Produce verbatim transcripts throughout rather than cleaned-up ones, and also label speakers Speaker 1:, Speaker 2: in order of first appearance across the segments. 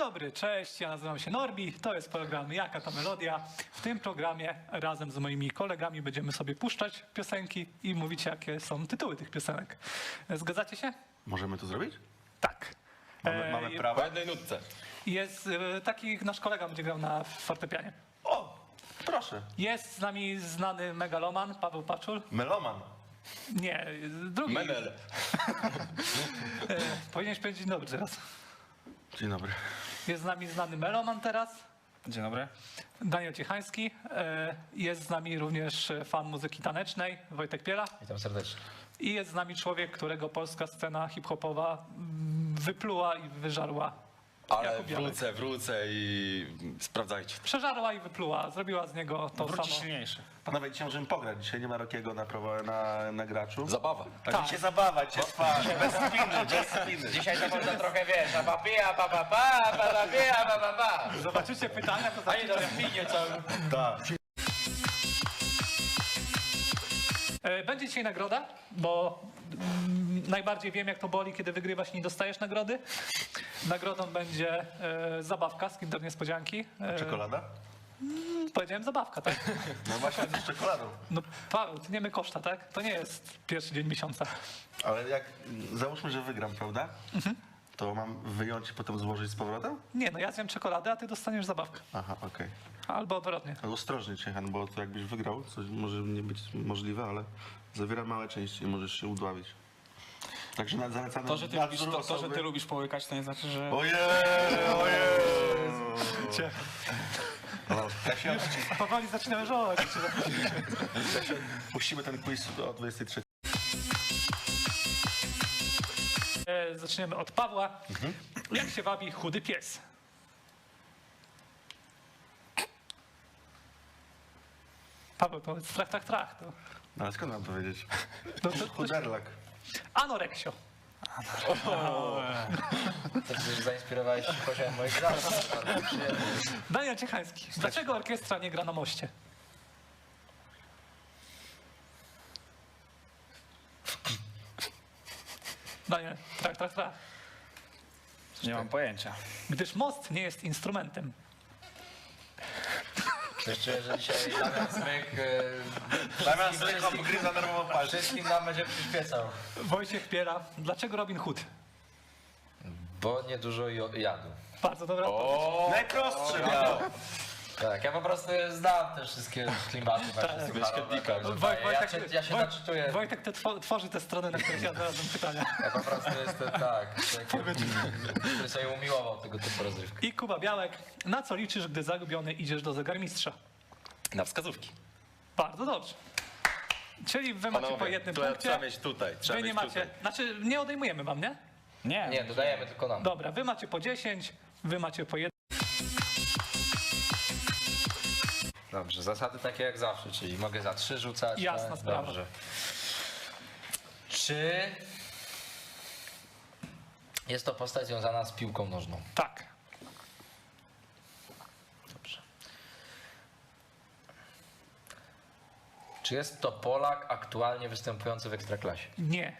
Speaker 1: dobry, cześć, ja nazywam się Norbi, to jest program Jaka to Melodia. W tym programie razem z moimi kolegami będziemy sobie puszczać piosenki i mówić, jakie są tytuły tych piosenek. Zgadzacie się?
Speaker 2: Możemy to zrobić?
Speaker 1: Tak.
Speaker 2: Mamy,
Speaker 1: E,
Speaker 2: mamy
Speaker 1: je-
Speaker 2: prawo?
Speaker 3: Po jednej nutce.
Speaker 1: Jest e, taki nasz kolega będzie grał na fortepianie.
Speaker 2: O, proszę.
Speaker 1: Jest z nami znany megaloman Paweł Paczul.
Speaker 2: Meloman.
Speaker 1: Nie, drugi.
Speaker 3: Menel.
Speaker 1: E, Powinieneś powiedzieć dzień dobry teraz.
Speaker 2: Dzień dobry.
Speaker 1: Jest z nami znany meloman teraz.
Speaker 4: Dzień dobry.
Speaker 1: Daniel Ciechański. E, Jest z nami również fan muzyki tanecznej Wojtek Piela.
Speaker 4: Witam serdecznie.
Speaker 1: I jest z nami człowiek, którego polska scena hip-hopowa mm, wypluła i wyżarła.
Speaker 3: Ale
Speaker 1: Jakub Białek.
Speaker 3: wrócę, wrócę i sprawdzajcie.
Speaker 1: Przeżarła i wypluła. Zrobiła z niego to
Speaker 4: Wróci
Speaker 1: samo.
Speaker 4: silniejszy.
Speaker 2: Panowie, dzisiaj możemy pograć. Dzisiaj nie ma Rokiego na, prawo- na, na graczu.
Speaker 3: Zabawa.
Speaker 2: A
Speaker 1: Tak.
Speaker 2: dzisiaj zabawa, dzisiaj trwa. Bez spiny, bez spiny.
Speaker 4: Dzisiaj to można trochę, wiesz, a papija, pa pa pa, pa pa pija, pa pa pa.
Speaker 1: Zobaczycie pytania, to
Speaker 4: A nie, to
Speaker 1: zacznijcie.
Speaker 4: spinie cały.
Speaker 2: Tak.
Speaker 1: E, Będzie dzisiaj nagroda, bo mm, najbardziej wiem, jak to boli, kiedy wygrywasz i nie dostajesz nagrody. Nagrodą będzie e, zabawka z Kinder Niespodzianki. E,
Speaker 2: Czekolada?
Speaker 1: Powiedziałem zabawka, tak?
Speaker 2: No właśnie, z czekoladą.
Speaker 1: No Paweł, ty nie my koszta, tak? To nie jest pierwszy dzień miesiąca.
Speaker 2: Ale jak, załóżmy, że wygram, prawda? To mam wyjąć i potem złożyć z powrotem?
Speaker 1: Nie, no ja zjem czekoladę, a ty dostaniesz zabawkę.
Speaker 2: Aha, okej.
Speaker 1: Albo odwrotnie.
Speaker 2: Ale ostrożnie, Ciechan, bo to jakbyś wygrał, coś może nie być możliwe, ale zawiera małe części i możesz się udławić. Także na- zalecamy
Speaker 4: To, że ty, lubisz, to, to, że ty lubisz połykać, to nie znaczy, że...
Speaker 2: Ojej, ojej!
Speaker 1: Cię.
Speaker 2: O, Kasia,
Speaker 1: Powoli zaczynamy żałować.
Speaker 2: Kasia, puścimy ten quiz o dwudziestej trzeciej.
Speaker 1: E, Zaczniemy od Pawła. Jak się wabi chudy pies? Paweł, powiedz trach, trach, trach. To,
Speaker 2: No ale skąd mam to wiedzieć?
Speaker 1: no, to, to,
Speaker 2: Chuderlak.
Speaker 1: anoreksio.
Speaker 4: To przecież zainspirowałeś się poziomem moich lat. Bardzo przyjemnie.
Speaker 1: Daniel Ciechański. Dlaczego orkiestra nie gra na moście? Daniel, trach, trach, trach.
Speaker 5: Nie mam pojęcia.
Speaker 1: Gdyż most nie jest instrumentem.
Speaker 4: Coś czuję, że dzisiaj Damian Smyk e,
Speaker 2: Damian Zrycho pogryza nerwową palcem.
Speaker 4: wszystkim nam będzie przyświecał.
Speaker 1: Wojciech Piera. Dlaczego Robin Hood?
Speaker 4: Bo niedużo jo- jadł.
Speaker 1: Bardzo dobra odpowiedź.
Speaker 2: Najprostszy,
Speaker 4: No. Tak, ja po prostu znam te wszystkie klimaty. Tak,
Speaker 3: Wyświetnika.
Speaker 4: ja, się- ja się
Speaker 1: Woj-
Speaker 4: naczytuję.
Speaker 1: Wojtek te two, tworzy te strony, na których ja znalazłem pytania.
Speaker 4: Ja po prostu jestem tak, taki, który sobie umiłował tego typu rozrywki.
Speaker 1: I Kuba Białek. Na co liczysz, gdy zagubiony idziesz do zegarmistrza?
Speaker 3: Na wskazówki.
Speaker 1: Bardzo dobrze. Czyli wy macie po
Speaker 3: Panowie,
Speaker 1: jednym
Speaker 3: to
Speaker 1: punkcie.
Speaker 3: trzeba mieć tutaj. Trzeba
Speaker 1: Wy nie
Speaker 3: mieć
Speaker 1: macie.
Speaker 3: tutaj.
Speaker 1: Znaczy, nie odejmujemy wam, nie?
Speaker 5: Nie.
Speaker 4: Nie, dodajemy tylko nam.
Speaker 1: Dobra, wy macie po dziesięć, wy macie po jeden.
Speaker 4: Dobrze, zasady takie jak zawsze, czyli mogę za trzy rzucać.
Speaker 1: Jasna
Speaker 4: tak?
Speaker 1: sprawa.
Speaker 4: Dobrze. Czy jest to postać związana z piłką nożną?
Speaker 1: Tak.
Speaker 4: Dobrze. Czy jest to Polak aktualnie występujący w Ekstraklasie?
Speaker 1: Nie.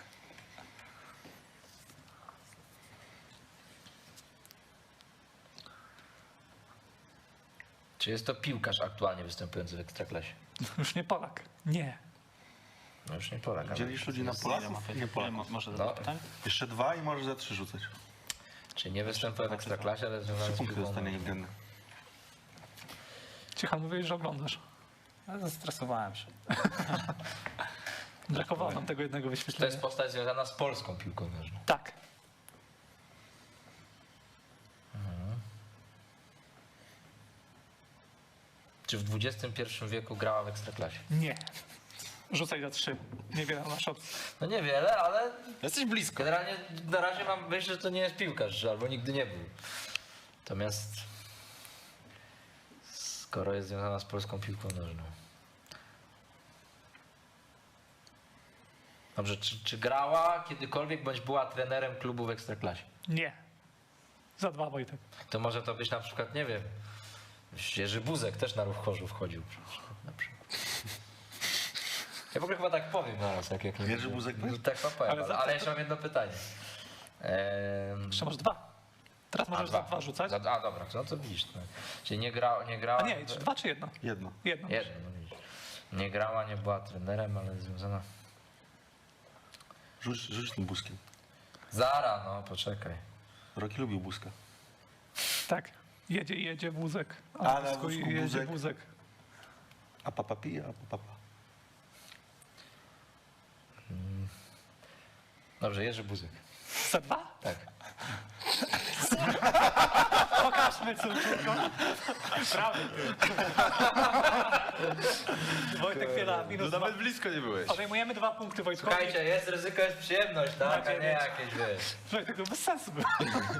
Speaker 4: Czy jest to piłkarz aktualnie występujący w Ekstraklasie?
Speaker 1: Już nie Polak. Nie.
Speaker 4: No już nie Polak, ale...
Speaker 2: Dzielisz ludzi na Polaków i nie Polaków.
Speaker 5: Może
Speaker 4: No.
Speaker 5: zadać pytań?
Speaker 2: Jeszcze dwa i możesz za trzy rzucać.
Speaker 4: Czy nie występuje w Ekstraklasie, ale związany
Speaker 2: Trzy
Speaker 4: z
Speaker 2: punkty
Speaker 4: piłką
Speaker 2: dostanie
Speaker 4: nożną?
Speaker 2: niewdzienny.
Speaker 1: Cicha, mówiłeś, że oglądasz.
Speaker 5: Ale zestresowałem się.
Speaker 1: Brakowało nam tego jednego
Speaker 4: To
Speaker 1: wyświetlenia.
Speaker 4: jest postać związana z polską piłką nożną.
Speaker 1: Tak.
Speaker 4: Czy w dwudziestym pierwszym wieku grała w Ekstraklasie?
Speaker 1: Nie. Rzucaj za trzy. Niewiele masz opcji.
Speaker 4: No niewiele, ale
Speaker 3: Jesteś blisko.
Speaker 4: generalnie na razie mam myśl, że to nie jest piłkarz, albo nigdy nie był. Natomiast skoro jest związana z polską piłką nożną. Dobrze, czy, czy grała kiedykolwiek bądź była trenerem klubu w Ekstraklasie?
Speaker 1: Nie. Za dwa, Wojtek.
Speaker 4: To może to być na przykład, nie wiem, Jerzy Buzek też na Ruch Chorzów wchodził. przecież, Na przykład. Ja w ogóle chyba tak powiem naraz, jak, jak nie
Speaker 2: Jerzy Buzek też?
Speaker 4: Tak chyba powiem,
Speaker 1: Ale
Speaker 4: ale,
Speaker 1: za-
Speaker 4: ale jeszcze mam jedno pytanie. Ehm,
Speaker 1: Jeszcze masz dwa. Teraz możesz za dwa rzucać.
Speaker 4: Za, a dobra, no to widzisz. No. Czyli nie, gra, nie grała...
Speaker 1: A nie, czy dwa czy jedno?
Speaker 2: Jedno.
Speaker 1: Jedno.
Speaker 4: Jedno, no widzisz. Nie grała, nie była trenerem, ale związana...
Speaker 2: Rzuć, rzuć tym buzkiem.
Speaker 4: Zara, no poczekaj.
Speaker 2: Roki lubił buzka.
Speaker 1: Tak. Jedzie, jedzie wózek.
Speaker 2: A na
Speaker 1: wózku
Speaker 2: wózku
Speaker 1: jedzie
Speaker 2: wózek.
Speaker 1: wózek.
Speaker 2: A papa pije, a papa.
Speaker 4: Dobrze, Jerzy Buzek.
Speaker 1: Za dwa?
Speaker 4: Tak.
Speaker 1: Pokażmy córko. Prawda. Wojtek Fiela, minus dwa.
Speaker 3: Nawet blisko nie byłeś.
Speaker 1: Odejmujemy dwa punkty Wojtkowi.
Speaker 4: Słuchajcie, jest ryzyko, jest przyjemność, tak?
Speaker 1: Na
Speaker 4: A nie
Speaker 1: dziewięć.
Speaker 4: jakieś, wiesz...
Speaker 1: Wojtek, to bez sensu było.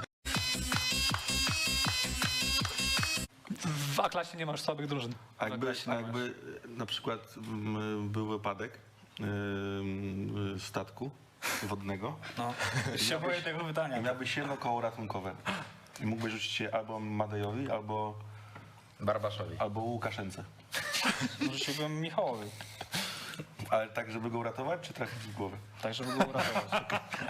Speaker 1: W A-klasie nie masz słabych drużyn.
Speaker 2: A jakby,
Speaker 5: Zagrać
Speaker 2: a
Speaker 5: na
Speaker 2: jakby e, na przykład mm, był wypadek e, statku wodnego
Speaker 5: No, się boję tego
Speaker 2: i
Speaker 5: pytania.
Speaker 2: miałbyś jedno koło ratunkowe i mógłbyś rzucić je albo Madejowi, albo,
Speaker 4: Barbaszowi.
Speaker 2: albo Łukaszence.
Speaker 5: Rzuciłbym Michałowi,
Speaker 2: Ale tak, żeby go uratować, czy trafić w głowę?
Speaker 5: tak żeby go uratować.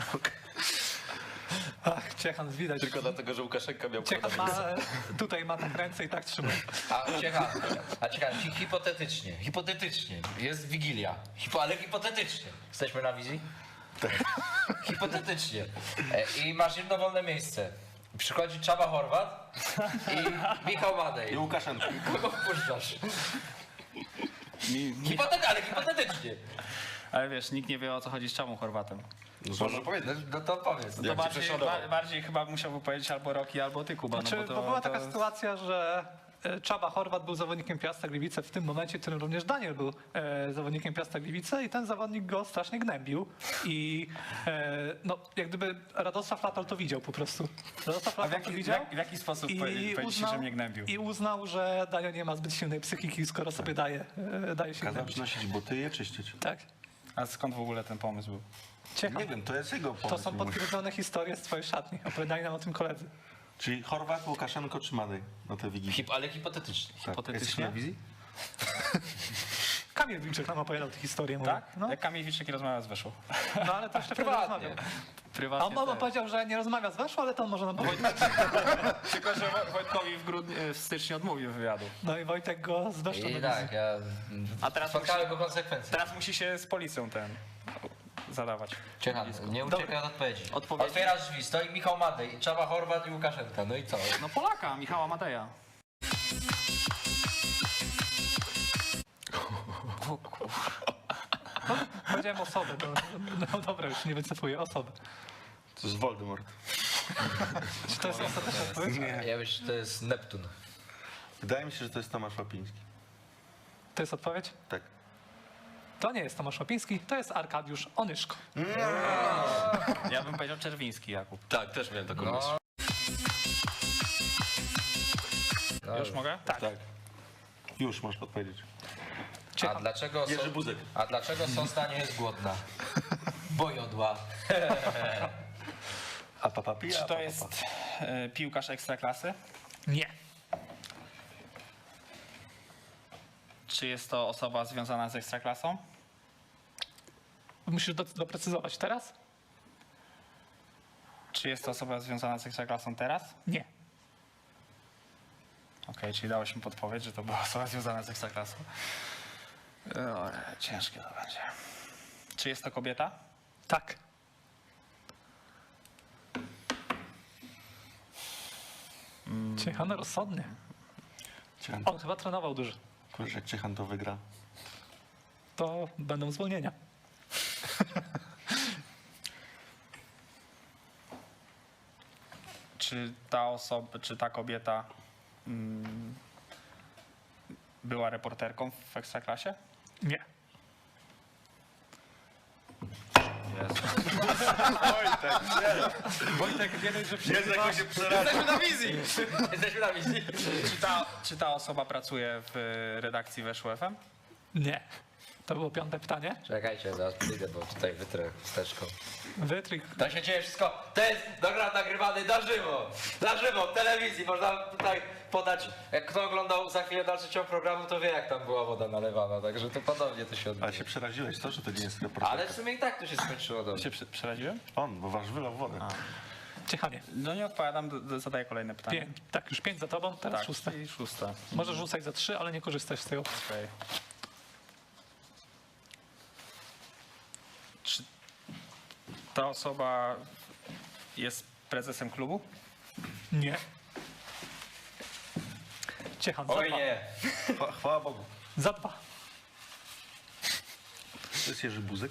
Speaker 1: Ach, Ciechan, widać.
Speaker 3: Tylko dlatego, że Łukaszenka miał
Speaker 1: Ciechan ma, tutaj ma tak ręce i tak trzyma.
Speaker 4: A ciekawe, a ciekawe, hi- hipotetycznie, hipotetycznie, jest Wigilia, Hipo, ale hipotetycznie. Jesteśmy na wizji? Tak. Hipotetycznie. E, I masz jedno wolne miejsce. Przychodzi Czaba Horvat i Michał
Speaker 2: I
Speaker 4: Madej.
Speaker 2: Łukaszenka.
Speaker 4: Kogo wpuszczasz?
Speaker 5: Mi, mi,
Speaker 4: Hipotety, ale hipotetycznie.
Speaker 5: ale wiesz, nikt nie wie o co chodzi z Czabą Chorwatem.
Speaker 3: Można powiedzieć.
Speaker 4: No to powiedz.
Speaker 5: To
Speaker 3: Jak cię
Speaker 5: bardziej,
Speaker 3: prześladował?
Speaker 5: ba, bardziej chyba musiałby powiedzieć albo Roki, albo ty, Kuba.
Speaker 1: Znaczy,
Speaker 5: no bo, to,
Speaker 1: bo była
Speaker 5: to,
Speaker 1: taka sytuacja, że e, Czaba Horvat był zawodnikiem Piasta Gliwice w tym momencie, w którym również Daniel był e, zawodnikiem Piasta Gliwice i ten zawodnik go strasznie gnębił i e, no, jak gdyby Radosław Latal to widział po prostu. Radosław
Speaker 5: A w
Speaker 1: Latal to
Speaker 5: jaki, w,
Speaker 1: widział
Speaker 5: jak, w jaki sposób
Speaker 1: i
Speaker 5: powie- powiedzieć, że mnie gnębił?
Speaker 1: i uznał, że Daniel nie ma zbyt silnej psychiki, skoro sobie daje, e, daje się
Speaker 2: Kazał
Speaker 1: gnębić.
Speaker 2: przynosić buty i je czyścić.
Speaker 1: Tak.
Speaker 5: A skąd w ogóle ten pomysł był?
Speaker 1: Ciekawe.
Speaker 2: Nie wiem, to jest jego pomysł.
Speaker 1: To są
Speaker 2: mój.
Speaker 1: potwierdzone historie z twojej szatni. Opowiadali nam o tym koledzy.
Speaker 2: Czyli Chorwat, Łukaszenko czy Madej na tę wigilię?
Speaker 4: Hip, ale hipotetycznie.
Speaker 2: Tak.
Speaker 5: hipotetycznie?
Speaker 2: Jesteś na wizji?
Speaker 1: Kamil Wilczek nam opowiadał tę historię. mówię.
Speaker 5: Tak?
Speaker 1: No,
Speaker 5: Jak Kamil Wilczek rozmawia z Weszło.
Speaker 1: no ale to jeszcze wtedy
Speaker 4: Prywatnie.
Speaker 1: rozmawiał. A
Speaker 5: Prywatnie
Speaker 1: on mama
Speaker 5: też.
Speaker 1: powiedział, że nie rozmawia z Weszło, ale to on może nam powiedzieć.
Speaker 5: Tylko, że Woj- Wojtkowi w, grudniu, w styczniu odmówił wywiadu.
Speaker 1: No i Wojtek go z Weszło
Speaker 4: I
Speaker 1: na
Speaker 4: tak,
Speaker 1: wizji.
Speaker 4: ja
Speaker 5: A teraz
Speaker 4: spotkały go konsekwencje.
Speaker 5: Teraz musi się z policją ten zadawać.
Speaker 4: Ciechan, nie uciekaj od odpowiedzi.
Speaker 5: Odpowiedzi?
Speaker 4: Otwierasz drzwi, stoi Michał Madej, Czaba Horvat i Łukaszenka. No i co?
Speaker 5: No Polaka, Michała Mateja.
Speaker 1: Powiedziałem osobę, to, no dobra, już nie wycofuję, osobę.
Speaker 2: To jest Voldemort.
Speaker 1: Czy to jest ostateczna odpowiedź?
Speaker 2: Nie.
Speaker 4: Ja myślę, że to jest Neptun.
Speaker 2: Wydaje mi się, że to jest Tomasz Łapiński.
Speaker 1: To jest odpowiedź?
Speaker 2: Tak.
Speaker 1: To nie jest Tomasz Łapiński, to jest Arkadiusz Onyszko.
Speaker 5: Ja bym powiedział Czerwiński, Jakub.
Speaker 3: Tak, też miałem taką
Speaker 4: No.
Speaker 3: myśl.
Speaker 4: No,
Speaker 5: Już mogę?
Speaker 1: Tak.
Speaker 2: Tak. Już możesz podpowiedzieć.
Speaker 4: A
Speaker 1: Ciekawe.
Speaker 4: dlaczego,
Speaker 2: Jerzy
Speaker 4: so,
Speaker 2: Buzek.
Speaker 4: a dlaczego Sosna nie jest głodna? Bo jodła.
Speaker 2: A papa pija,
Speaker 5: Czy
Speaker 2: a
Speaker 5: to
Speaker 2: papa
Speaker 5: jest
Speaker 2: pa.
Speaker 5: e, piłkarz ekstraklasy?
Speaker 1: Nie.
Speaker 5: Czy jest to osoba związana z ekstraklasą?
Speaker 1: Musisz do, doprecyzować teraz?
Speaker 5: Czy jest to osoba związana z ekstraklasą teraz?
Speaker 1: Nie.
Speaker 5: Okej, czyli dałeś mi podpowiedź, że to była osoba związana z ekstraklasą. O, ciężkie to będzie. Czy jest to kobieta?
Speaker 1: Tak. Ciechan rozsądny.
Speaker 2: Ciechan,
Speaker 1: On chyba trenował dużo.
Speaker 2: kurczę, jak Ciechan to wygra.
Speaker 1: To będą zwolnienia.
Speaker 5: Czy ta osoba, czy ta kobieta mm, była reporterką w ekstraklasie?
Speaker 1: Nie. Wojtek, nie dość, że przerywasz.
Speaker 4: Jesteśmy na wizji! Jesteśmy na wizji.
Speaker 5: Czy ta, czy ta osoba pracuje w redakcji Weszło F M?
Speaker 1: Nie. To było piąte pytanie.
Speaker 4: Czekajcie, zaraz przyjdę, bo tutaj wytrę wsteczką.
Speaker 1: Wytryk.
Speaker 4: To się dzieje wszystko, to jest program nagrywany na żywo, na żywo, w telewizji, można tutaj podać, jak kto oglądał za chwilę dalszy ciąg programu, to wie jak tam była woda nalewana, także to podobnie to się odbywa.
Speaker 2: Ale się przeraziłeś to, że to nie jest reporter.
Speaker 4: Ale w sumie i tak to się skończyło dobrze.
Speaker 5: Się przy- przeraziłem?
Speaker 2: On, bo wasz wylał wodę.
Speaker 1: Ciechanie.
Speaker 5: No nie odpowiadam, d- d- zadaję kolejne pytanie.
Speaker 1: Pięć. Tak, już pięć za tobą, teraz
Speaker 5: Tak,
Speaker 1: szóste.
Speaker 5: i szósta.
Speaker 1: Możesz rzucać za trzy, ale nie korzystać z tego.
Speaker 5: Okej. Czy ta osoba jest prezesem klubu?
Speaker 1: Nie. Ciechan, za
Speaker 3: Oj
Speaker 1: dwa.
Speaker 3: nie.
Speaker 2: Chwa- Chwała Bogu.
Speaker 1: Za dwa.
Speaker 2: To jest Jerzy Buzek?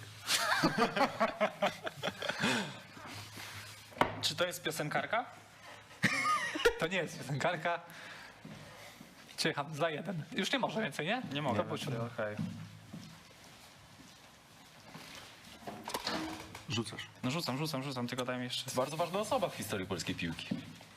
Speaker 5: Czy to jest piosenkarka?
Speaker 1: To nie jest piosenkarka. Ciechan, za jeden. Już nie może więcej, nie?
Speaker 5: Nie mogę.
Speaker 1: To po siódme.
Speaker 5: Okej.
Speaker 2: Rzucasz.
Speaker 5: No rzucam, rzucam, rzucam, tylko daj mi jeszcze.
Speaker 3: Bardzo ważna osoba w historii polskiej piłki.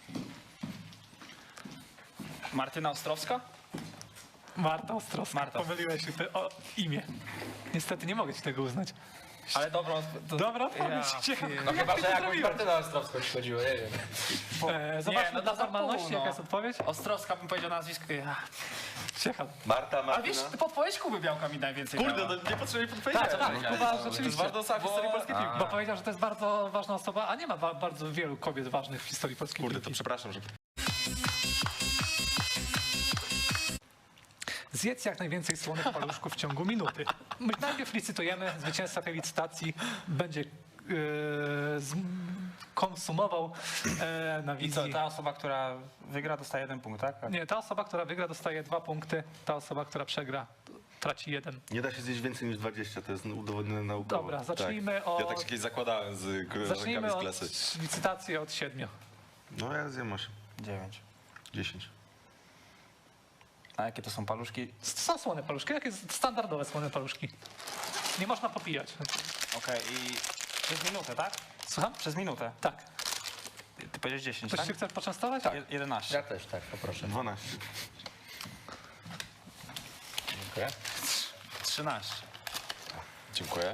Speaker 5: Martyna Ostrowska?
Speaker 1: Marta Ostrowska.
Speaker 5: Marta.
Speaker 1: Pomyliłeś się ty o imię. Niestety nie mogę ci tego uznać.
Speaker 5: Ale dobra. To...
Speaker 1: Dobra odpowiedź.
Speaker 5: Ja
Speaker 1: Ciechan.
Speaker 4: No chyba, że
Speaker 1: ty to
Speaker 4: jakąś
Speaker 1: zrobiłeś?
Speaker 4: Martynę Ostrowską ci chodziło, nie wiem.
Speaker 1: E, zobaczmy
Speaker 5: no
Speaker 1: dla
Speaker 5: to za
Speaker 1: formalności,
Speaker 5: pół, no.
Speaker 1: jaka jest odpowiedź.
Speaker 5: Ostrowska bym powiedział nazwisko. Ja.
Speaker 1: Ciechan.
Speaker 3: Marta,
Speaker 5: A
Speaker 3: Martyna.
Speaker 5: wiesz, podpowiedź Kuby Białka mi najwięcej
Speaker 3: Kurde,
Speaker 5: dała.
Speaker 3: no nie potrzebuję podpowiedzi.
Speaker 1: Tak, tak, Kuba
Speaker 3: To
Speaker 1: rzeczywiście.
Speaker 3: jest ważna osoba w historii polskiej piłki.
Speaker 1: Bo powiedział, że to jest bardzo ważna osoba, a nie ma ba- bardzo wielu kobiet ważnych w historii polskiej
Speaker 3: Kurde, to
Speaker 1: piłki.
Speaker 3: przepraszam, że...
Speaker 1: Zjedz jak najwięcej słonych paluszków w ciągu minuty. My najpierw licytujemy, zwycięzca tej licytacji będzie yy, konsumował e, na
Speaker 5: I
Speaker 1: wizji.
Speaker 5: co, ta osoba, która wygra, dostaje jeden punkt, tak?
Speaker 1: Nie, ta osoba, która wygra, dostaje dwa punkty, ta osoba, która przegra, traci jeden.
Speaker 2: Nie da się zjeść więcej niż dwadzieścia, to jest udowodnione naukowo.
Speaker 1: Dobra, zacznijmy od,
Speaker 3: Ja tak się kiedyś zakładałem z koleżankami
Speaker 1: zacznijmy
Speaker 3: z
Speaker 1: od
Speaker 3: klasy.
Speaker 1: licytacji od siedmiu.
Speaker 2: No ja zjem osiem,
Speaker 5: Dziewięć.
Speaker 2: dziesięć.
Speaker 5: A jakie to są paluszki?
Speaker 1: Są słone paluszki, jakie standardowe słone paluszki. Nie można popijać.
Speaker 5: Okej, i przez minutę, tak?
Speaker 1: Słucham?
Speaker 5: Przez minutę.
Speaker 1: Tak.
Speaker 5: Ty, ty powiedziałeś dziesięć,
Speaker 1: Ktoś
Speaker 5: tak?
Speaker 1: się chce poczęstować? Tak.
Speaker 5: Je- jedenaście.
Speaker 4: Ja też, tak, poproszę.
Speaker 2: dwanaście.
Speaker 4: Dziękuję.
Speaker 5: trzynaście.
Speaker 3: Dziękuję.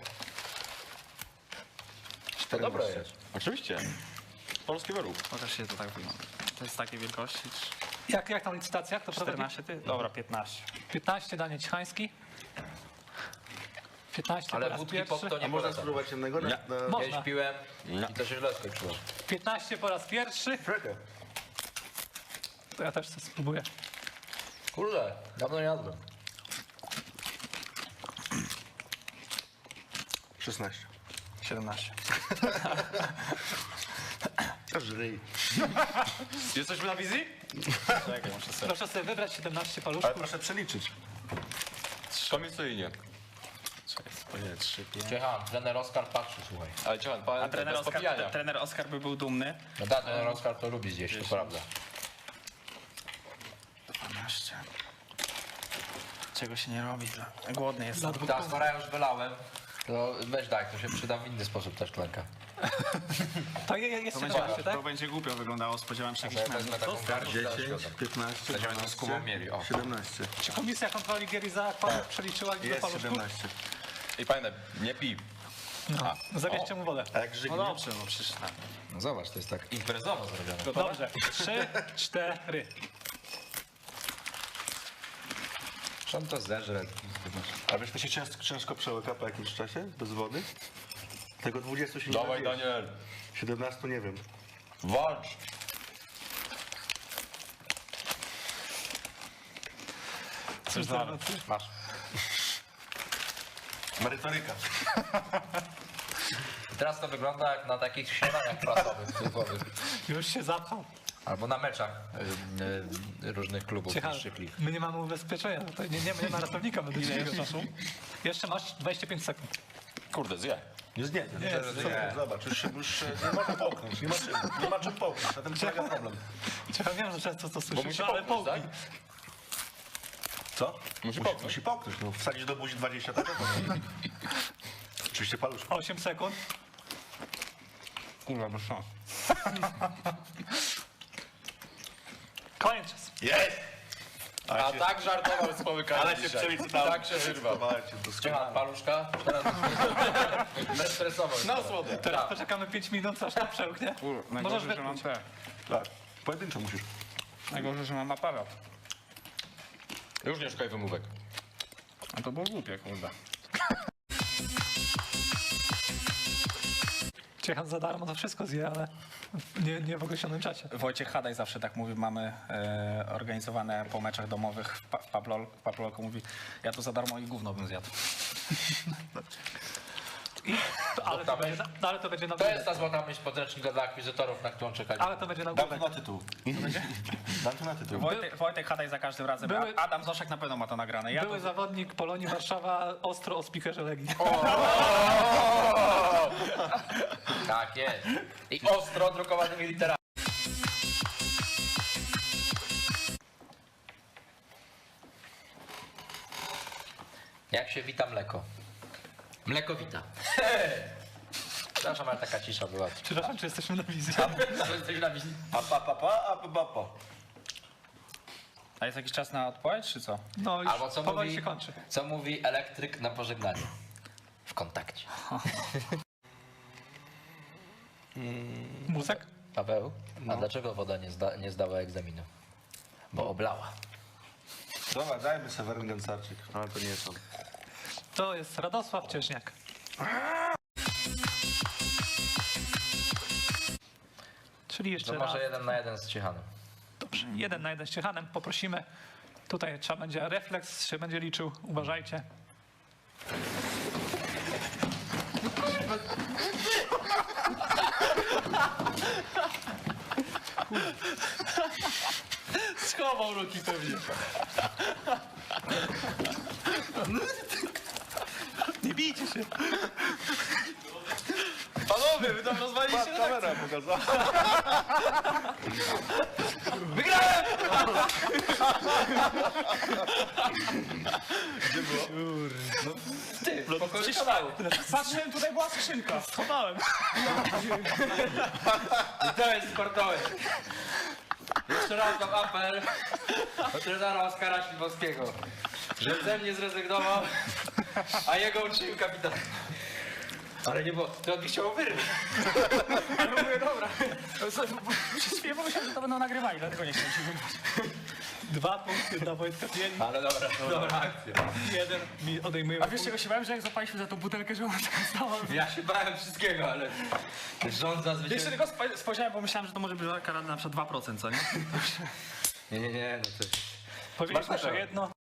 Speaker 4: To dobre jest.
Speaker 3: Oczywiście. Polski wyrób.
Speaker 5: Pokaż się to tak wygląda. To jest takiej wielkości.
Speaker 1: Jak, jak tam licytacja? Kto prowadzi?
Speaker 5: czternaście ty? Dobra, piętnaście.
Speaker 1: piętnaście Daniel Cichański. piętnaście po
Speaker 4: Ale
Speaker 1: raz
Speaker 4: wódki pod
Speaker 1: pierwszy.
Speaker 4: to
Speaker 2: A
Speaker 4: nie
Speaker 2: można
Speaker 4: polecam.
Speaker 2: spróbować jednego? Na,
Speaker 3: Nie.
Speaker 2: na...
Speaker 1: Można.
Speaker 4: Kiedyś piłem i to się źle skończyło.
Speaker 1: piętnaście po raz pierwszy.
Speaker 2: Frekę.
Speaker 1: To ja też to spróbuję.
Speaker 4: Kurde, dawno nie jadłem.
Speaker 2: szesnaście.
Speaker 5: siedemnaście.
Speaker 2: Aż ryj.
Speaker 3: Jesteśmy na wizji?
Speaker 5: Czekaj, muszę sobie.
Speaker 1: Proszę sobie wybrać siedemnaście
Speaker 2: Ale
Speaker 1: paluszków.
Speaker 2: proszę przeliczyć.
Speaker 3: Komisyjnie.
Speaker 5: Czekaj, spojrzę, trzy, pięć.
Speaker 4: Ciechan, trener Oskar patrzy, słuchaj.
Speaker 3: Ale Ciechan, pan
Speaker 5: A trener
Speaker 3: bez
Speaker 5: Oskar,
Speaker 3: popijania.
Speaker 5: tre- trener Oskar by był dumny.
Speaker 4: No da, trener Oskar to lubi zjeść, to prawda.
Speaker 5: dwanaście. Czego się nie robi? Dla... Głodny jestem.
Speaker 1: Za dwóch
Speaker 4: Ta, skoro ja już wylałem, to weź daj, to się przyda w inny sposób też tlenka.
Speaker 1: To je, je, jest
Speaker 5: To będzie,
Speaker 1: siedemnaście, tak?
Speaker 5: to będzie głupio wyglądało, spodziewałem się
Speaker 4: Ja
Speaker 5: jakichś
Speaker 4: wezmę
Speaker 5: mężów.
Speaker 4: taką garść,
Speaker 2: dziesięć, piętnaście,
Speaker 4: Będziemy to z Kubą mieli, o.
Speaker 2: siedemnaście.
Speaker 1: Czy komisja kontroli gier i zakładów przeliczyła liczbę
Speaker 2: Jest
Speaker 1: paluszków?
Speaker 2: siedemnaście.
Speaker 3: I pamiętaj, nie pij.
Speaker 1: No. Zabierzcie mu wodę.
Speaker 2: A jak żygnie?
Speaker 5: No dobrze, no przecież tak.
Speaker 4: No zobacz, to jest tak imprezowo zrobione.
Speaker 1: Dobrze. Trzy, cztery.
Speaker 4: Czy on to zeżre?
Speaker 2: A wiesz, to się ciężko, ciężko przełyka po jakimś czasie, bez wody? Tego dwudziestu się nie
Speaker 3: Dawaj,
Speaker 2: da zjeść.
Speaker 3: Daniel.
Speaker 2: siedemnaście nie wiem.
Speaker 3: Walcz.
Speaker 1: Cóż za nocy.
Speaker 4: Masz.
Speaker 2: Merytoryka.
Speaker 4: I teraz to wygląda jak na takich śniadaniach prasowych, typowych.
Speaker 1: Już się zapchał.
Speaker 4: Albo na meczach y, y, różnych klubów
Speaker 1: Ciekawe.
Speaker 4: niższych lig.
Speaker 1: My nie mamy ubezpieczenia. Tutaj nie, nie, nie ma ratownika medycznego. Jeszcze masz dwadzieścia pięć sekund.
Speaker 3: Kurde, zje.
Speaker 2: Nie znie.
Speaker 1: Nie,
Speaker 2: Nie, zobacz, już, się- już się nie można połknąć. Nie ma czym, nie ma czym połknąć. Na tym polega problem.
Speaker 1: Ja wiem, że często to słyszysz,
Speaker 3: musi
Speaker 1: ale
Speaker 3: połknąć,
Speaker 1: połknij.
Speaker 3: tak?
Speaker 2: Co?
Speaker 3: Musi
Speaker 2: Musi,
Speaker 3: połknąć.
Speaker 2: musi połknąć. No, wsadzić do buzi dwadzieścia, tak? Oczywiście paluszko.
Speaker 1: osiem sekund.
Speaker 5: Kurwa, bez szans.
Speaker 1: Koniec czas.
Speaker 2: Jest!
Speaker 3: A tak żartował z połykania
Speaker 2: Ale się
Speaker 3: dzisiaj.
Speaker 2: przelicowałem.
Speaker 3: Tak się wyrwał.
Speaker 2: Słuchajcie, doskonale.
Speaker 4: Ciechan, paluszka. Teraz bezstresowo.
Speaker 3: Na słodę.
Speaker 1: Teraz poczekamy pięć minut, aż to przełknie.
Speaker 5: Kur,
Speaker 1: Możesz
Speaker 5: najgorzej, że mam
Speaker 1: wypluć.
Speaker 5: te.
Speaker 2: Tak, pojedynczo musisz.
Speaker 5: Najgorzej, że mam aparat.
Speaker 3: Już nie szukaj wymówek.
Speaker 5: A to było głupie, kurde.
Speaker 1: Ciechan za darmo to wszystko zje, ale Nie, nie w określonym czacie.
Speaker 5: Wojciech Hadaj zawsze tak mówi, mamy e, organizowane po meczach domowych w, pa, w, Pablol, w Pablolku, mówi, ja tu za darmo i gówno bym zjadł.
Speaker 1: I, ale, to będzie, na- no, ale to będzie na
Speaker 4: To jest ta złota myśl podręcznika dla akwizytorów, na którą czekaliśmy.
Speaker 1: Ale to będzie na
Speaker 2: Dam
Speaker 1: głowę.
Speaker 2: to na tytuł. Dam to na tytuł.
Speaker 5: Wojtek, Wojtek Hadaj za każdym razem,
Speaker 1: Były-
Speaker 5: a Adam Zoszek na pewno ma to nagrane. Ja
Speaker 1: Były
Speaker 5: to,
Speaker 1: zawodnik Polonii Warszawa ostro o spikerze Legii.
Speaker 4: Tak jest. I ostro drukowanymi literami. Jak się wita mleko? Mleko wita. Przepraszam, ale taka cisza była.
Speaker 1: Przepraszam, czy jesteśmy na wizji?
Speaker 4: Jesteś na wizji.
Speaker 3: A pa, pa, pa, a pa, pa, pa.
Speaker 5: a jest jakiś czas na odpowiedź, czy co?
Speaker 1: No już
Speaker 4: Albo co
Speaker 1: powoli
Speaker 4: mówi,
Speaker 1: się kończy.
Speaker 4: co mówi elektryk na pożegnaniu? W kontakcie.
Speaker 1: Mózek?
Speaker 4: Paweł, a dlaczego woda nie, zda, nie zdała egzaminu? Bo oblała.
Speaker 2: Dobra, dajmy Seweryn Gęcarczyk, ale to nie jest on.
Speaker 1: To jest Radosław Cieżniak. Czyli jeszcze
Speaker 4: To
Speaker 1: raz.
Speaker 4: może jeden na jeden z Ciechanem.
Speaker 1: Dobrze, jeden na jeden z Ciechanem. Poprosimy. Tutaj trzeba będzie refleks, się będzie liczył. Uważajcie.
Speaker 5: Schował ruki pewnie.
Speaker 1: Nie bijcie się.
Speaker 5: Panowie, wy tam rozwaliliście
Speaker 2: Kamera pokazała.
Speaker 4: Ty, w pokoju kanału.
Speaker 5: Patrzyłem, tutaj była skrzynka.
Speaker 1: Schowałem.
Speaker 4: I to jest sportowy. Jeszcze raz mam apel do trenera Oskara Śliwowskiego, że ze mnie zrezygnował, a jego uczynił kapitan. Ale nie było, to on mi chciał wyrwać.
Speaker 5: Ale mówię, dobra. Przez chwilę pomyślałem, że to będą nagrywali, dlatego nie chciałem się wybrać.
Speaker 1: Dwa punkty dla Wojtka Pieli.
Speaker 4: Ale dobra, dobra akcja.
Speaker 1: Jeden mi odejmuje.
Speaker 5: A wiesz czego się bałem, że jak zapaliśmy za tą butelkę, że ona taka stała.
Speaker 4: Ja się bałem wszystkiego, ale rząd zazwyczaj...
Speaker 5: Jeszcze tylko spo- spojrzałem, bo myślałem, że to może być kara na przykład dwa procent, co nie?
Speaker 4: Nie, nie, nie, no to...
Speaker 1: Powiedzieliśmy,
Speaker 4: Smacznego.
Speaker 1: że jedno.